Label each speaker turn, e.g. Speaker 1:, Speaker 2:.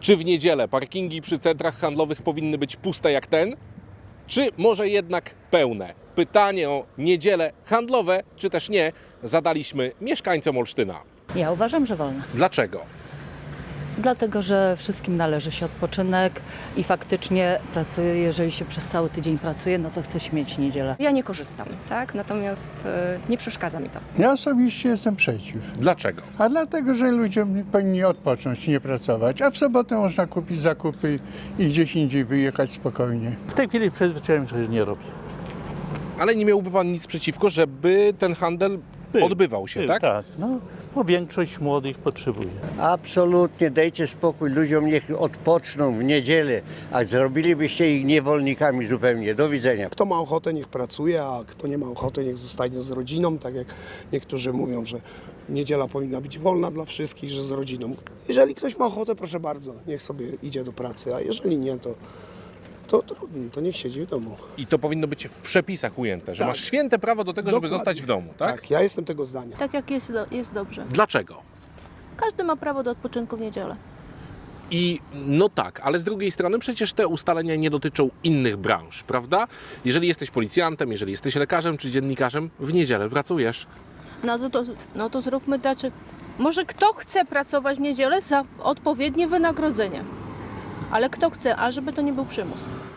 Speaker 1: Czy w niedzielę parkingi przy centrach handlowych powinny być puste jak ten? Czy może jednak pełne? Pytanie o niedziele handlowe, czy też nie, zadaliśmy mieszkańcom Olsztyna.
Speaker 2: Ja uważam, że wolno.
Speaker 1: Dlaczego?
Speaker 2: Dlatego, że wszystkim należy się odpoczynek i faktycznie pracuję, jeżeli się przez cały tydzień pracuje, no to chce się mieć niedzielę.
Speaker 3: Ja nie korzystam, tak? Natomiast nie przeszkadza mi to.
Speaker 4: Ja osobiście jestem przeciw.
Speaker 1: Dlaczego?
Speaker 4: A dlatego, że ludzie powinni odpocząć, nie pracować. A w sobotę można kupić zakupy i gdzieś indziej wyjechać spokojnie.
Speaker 5: W tej chwili przyzwyczaiłem się, że nie robię.
Speaker 1: Ale nie miałby Pan nic przeciwko, żeby ten handel odbywał się, tak?
Speaker 5: Tak, no, bo większość młodych potrzebuje.
Speaker 6: Absolutnie, dajcie spokój ludziom, niech odpoczną w niedzielę, a zrobilibyście ich niewolnikami zupełnie. Do widzenia.
Speaker 7: Kto ma ochotę, niech pracuje, a kto nie ma ochoty, niech zostanie z rodziną, tak jak niektórzy mówią, że niedziela powinna być wolna dla wszystkich, że z rodziną. Jeżeli ktoś ma ochotę, proszę bardzo, niech sobie idzie do pracy, a jeżeli nie, to trudno, to niech siedzi w domu.
Speaker 1: I to powinno być w przepisach ujęte, że
Speaker 7: Tak.
Speaker 1: masz święte prawo do tego, żeby
Speaker 7: Dokładnie.
Speaker 1: zostać w domu, tak?
Speaker 7: Tak, ja jestem tego zdania.
Speaker 8: Tak jak jest dobrze.
Speaker 1: Dlaczego?
Speaker 8: Każdy ma prawo do odpoczynku w niedzielę.
Speaker 1: I no tak, ale z drugiej strony przecież te ustalenia nie dotyczą innych branż, prawda? Jeżeli jesteś policjantem, jeżeli jesteś lekarzem czy dziennikarzem, w niedzielę pracujesz.
Speaker 8: No to zróbmy tak. Może kto chce pracować w niedzielę za odpowiednie wynagrodzenie. Ale kto chce, a żeby to nie był przymus.